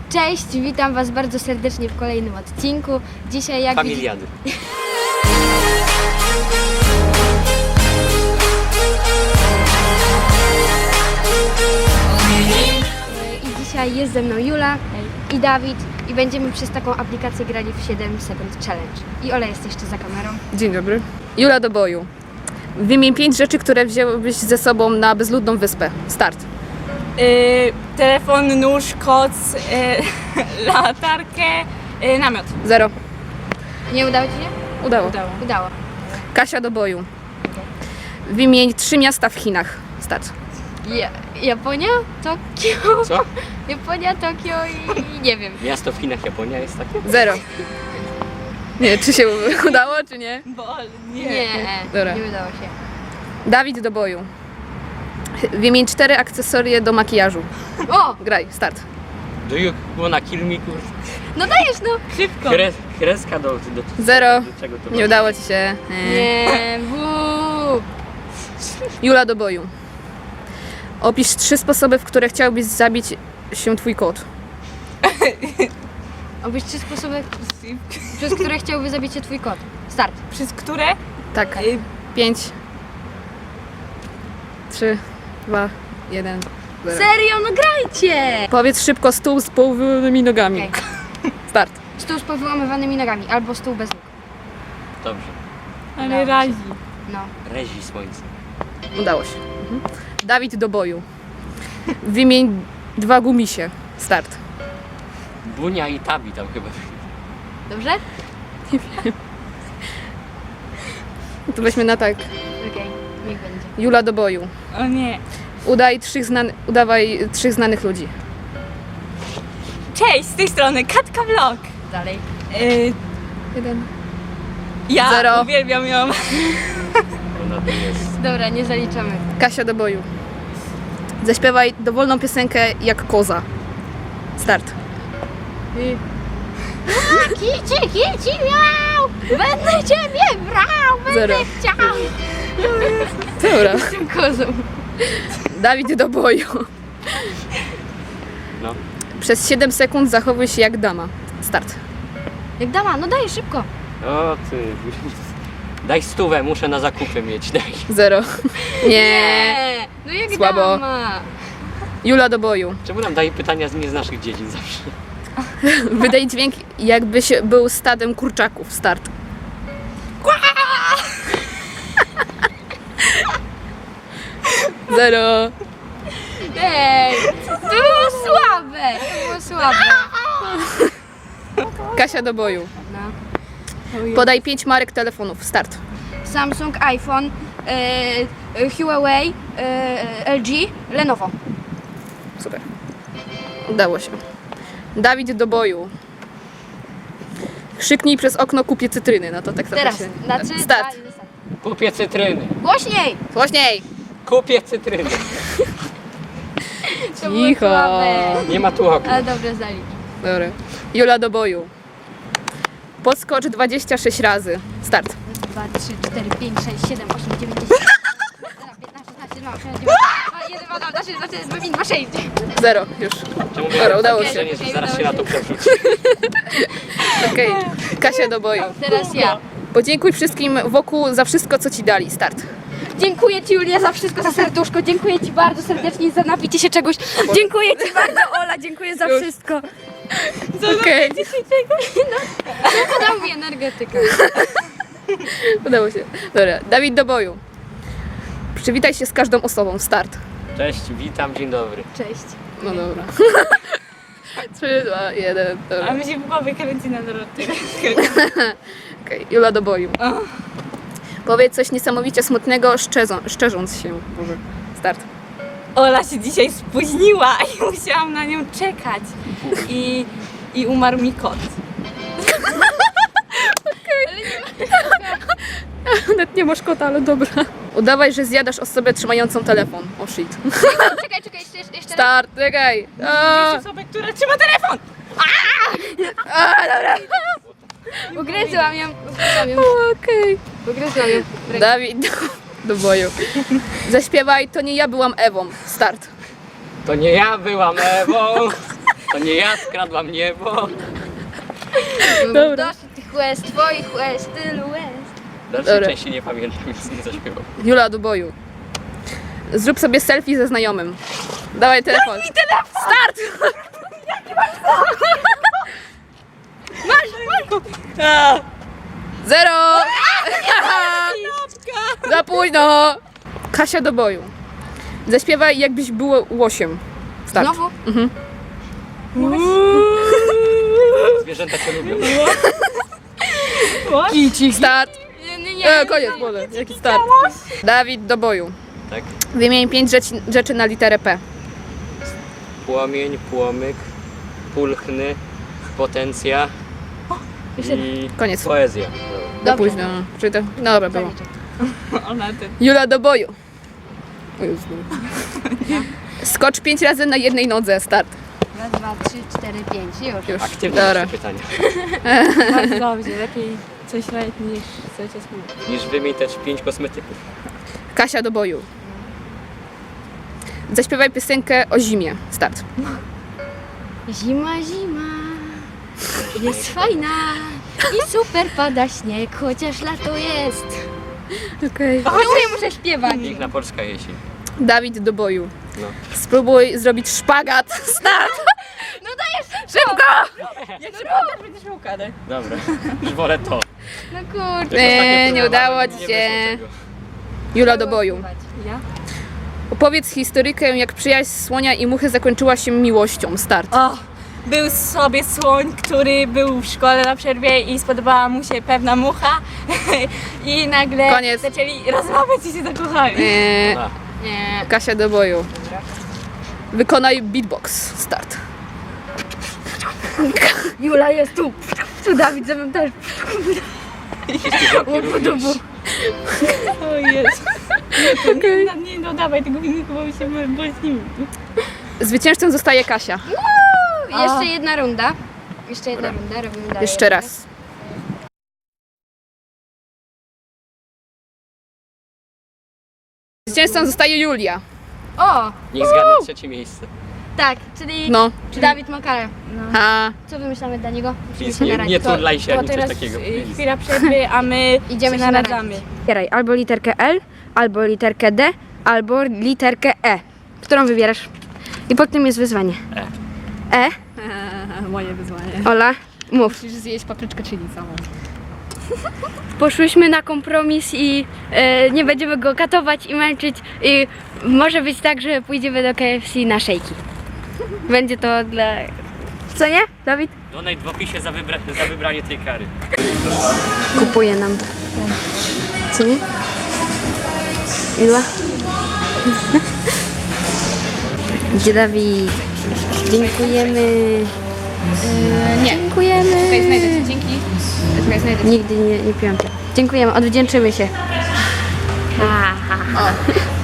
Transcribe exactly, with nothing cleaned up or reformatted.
Cześć, witam Was bardzo serdecznie w kolejnym odcinku. Dzisiaj jak Familiady. I dzisiaj jest ze mną Jula i Dawid i będziemy przez taką aplikację grali w siedem sekund challenge. I Ola jest jeszcze za kamerą. Dzień dobry. Jula do boju. Wymień pięć rzeczy, które wzięłybyś ze sobą na bezludną wyspę. Start. Yy, telefon, nóż, koc, yy, latarkę, yy, namiot. Zero. Nie udało Ci się? Udało. Udało. Udało. Kasia do boju. Wymień trzy miasta w Chinach. Start. Ja, Japonia? Tokio? Co? Japonia, Tokio i, i nie wiem. Miasto w Chinach, Japonia jest takie? Zero. Nie, czy się udało, czy nie? Bo nie. Nie, Dobra. nie udało się. Dawid do boju. Wymień cztery akcesorie do makijażu. O! Graj. Start. Do you wanna kill me, kur... No dajesz no! Szybko. Kres, kreska do, do, do... Zero. Do czego to Nie udało ci się. Nie. Nie, wuu. Jula do boju. Opisz trzy sposoby, w które chciałbyś zabić się twój kot. Obyś trzy sposoby, przez które chciałby zabić się Twój kot. Start. Przez które? Tak. Yy, Pięć. Trzy. Dwa. Jeden. Zero. Serio, no grajcie! Powiedz szybko stół z połownymi nogami. Okej. Start. Stół z powyłamywanymi nogami, albo stół bez nóg. Dobrze. ale Udało razi. No. Rezi słońce. Udało się. Mhm. Dawid do boju. Wymień dwa gumisie. Start. Bunia i Tabi tam chyba. Dobrze? To weźmy na tak. Okej, niech będzie. Jula do boju. O nie. Udaj trzech znany, udawaj trzech znanych ludzi. Cześć, z tej strony Katka Vlog. Dalej. Yy, Jeden. ja Zero. uwielbiam ją. Ona to jest. Dobra, nie zaliczamy. Kasia do boju. Zaśpiewaj dowolną piosenkę jak koza. Start. Kici, kici, miał! Będę Ciebie brał! Będę Zero. chciał! Dobra. Z tym kozą. Dawid do boju. No. Przez siedem sekund zachowuj się jak dama. Start. Jak dama, no daj szybko. O ty. Daj stówę, muszę na zakupy mieć, daj. Zero. Nie. No jak Słabo. dama. Jula do boju. Czemu nam daje pytania z nie z naszych dziedzin zawsze? Wydaj dźwięk, jakbyś był stadem kurczaków. Start. Zero. Ej, to było słabe. To było słabe. Kasia do boju. No. Podaj pięć marek telefonów. Start. Samsung, iPhone, e, e, Huawei, e, L G, Lenovo. Super. Udało się. Dawid do boju. Krzyknij przez okno, kupię cytryny. No to tak trochę Teraz, się... na trzy, Start. dwa, start. Kupię cytryny. Głośniej! Głośniej. Kupię cytryny. To było Cicho. słabe. Nie ma tu okna. Ale dobrze zalicz. Dobra. Jula do boju. Podskocz dwadzieścia sześć razy. Start. dwa, trzy, cztery, pięć, sześć, siedem, osiem, dziewięć, dziesięć, piętnaście, szesnaście, dwa, osiem, dziewięć, jeden, dwa, dwa, trzy, cztery, pięć, dwa, sześć. Zero. Już. Czemu Dobra, udało Okej. się. nie, że zaraz się na to przerzuci. Okej. Kasia do boju. Teraz ja. Podziękuj wszystkim wokół za wszystko, co ci dali. Start. Dziękuję Ci, Julia, za wszystko, za serduszko. Dziękuję Ci bardzo serdecznie za napicie się czegoś. Dziękuję Ci bardzo, Ola, dziękuję za Już. wszystko. Okej. Podał mi energetykę. Udało się. Dobra. Dawid do boju. Przywitaj się z każdą osobą. Start. Cześć, witam, dzień dobry. Cześć. No dobra. Trzy, dwa, jeden. A Dobra. mi się w głowie kręci na drodze. Okej. Jula do boju. Powiedz coś niesamowicie smutnego, szczerząc, szczerząc się. Może. Start. Ola się dzisiaj spóźniła i musiałam na nią czekać. I, i umarł mi kot. Nawet nie masz kota, ale dobra. Udawaj, że zjadasz osobę trzymającą telefon. O oh shit. Czekaj, czekaj, jeszcze, jeszcze raz. Start, czekaj. A, Osobę, która trzyma telefon. a, dobra. Ugryzłam ją. Ugryzłam ją. Okej. Ugryzłam ją. Dawid do, do boju. Zaśpiewaj, to nie ja byłam Ewą. Start. To nie ja byłam Ewą. To nie ja skradłam niebo. Dobra. Dosyć tych łez, twoich łez, tylu łez. Dalszej Dobra. części nie pamiętam, więc nie zaśpiewam. Jula do boju. Zrób sobie selfie ze znajomym. Dawaj telefon. Daj mi telefon! Start! Zero! Za późno! Kasia do boju. Zaśpiewaj, jakbyś było łosiem. Start. Znowu? Zwierzęta cię lubią. Start. Nie, nie, nie. E, koniec, może. Jaki start? Dawid do boju. Tak? Wymień pięć rzeczy, rzeczy na literę P. Płomień, płomyk, pulchny, potencja i Koniec. poezja. Za Dobrze. późno. Czyli to... No dobra, było. Ona ty. Jula do boju. O Jezu. Skocz pięć razy na jednej nodze. Start. Raz, dwa, trzy, cztery, pięć. Już. Już. Aktywne Dobra. jeszcze pytania. Bardzo dobrze, lepiej coś robić niż coś jest mówić. Niż wymień też pięć kosmetyków. Kasia do boju. Zaśpiewaj piosenkę o zimie. Start. Zima, zima. Jest fajna. I super pada śnieg, chociaż lato jest. Okej. No nie muszę śpiewać. Piękna polska jesień. Dawid do boju. No. Spróbuj zrobić szpagat. Start. No dajesz. Szybko! Jak się podasz, będziesz miał karę. Dobra, już wolę to. No kurde. Jak ostatnio Nie, nie próbowałem, udało nie ci wyszło się. tego. Jula do boju. Ja? Opowiedz historykę, jak przyjaźń słonia i muchy zakończyła się miłością. Start. O, był sobie słoń, który był w szkole na przerwie i spodobała mu się pewna mucha i nagle Koniec. zaczęli rozmawiać i się zakochali. Eee, A, Nie. Kasia do boju. Wykonaj beatbox. Start. Jula jest tu. Tu Dawid ze mną też. wszystkie ziomki również. O Jezu. Nie, to nie, nie dodawaj tego filmiku, bo mi się boźnimy. Zwycięzcą zostaje Kasia. Jeszcze jedna runda. Jeszcze jedna runda, robimy dalej. Jeszcze raz. Zwycięzcą zostaje Julia. O, Niech zgadnę trzecie miejsce. tak, czyli No. Dawid ma karę. A, Co wymyślamy dla niego? Musimy Więc się nie, naradzić. nie turlaj się To ani coś teraz takiego. y, chwila przerwy, a my Idziemy się się naradzamy. Wybieraj albo literkę L, albo literkę D, albo literkę E. Którą wybierasz? I pod tym jest wyzwanie. E. E? moje wyzwanie. Ola, mów. Musisz zjeść papryczkę chili samą. Poszłyśmy na kompromis i e, nie będziemy go katować i męczyć. I może być tak, że pójdziemy do K F C na szejki. Będzie to dla... Co nie, Dawid? Donate w opisie za, wybra za wybranie tej kary. Kupuje nam. Co nie? Ile? Gdzie Dawid? Dziękujemy. E, nie. Dziękujemy. Czekaj, znajdę cię. Dzięki. Czekaj, znajdę cię. Nigdy nie, nie piłam cię. Dziękujemy, odwdzięczymy się. Ha, ha, ha. O.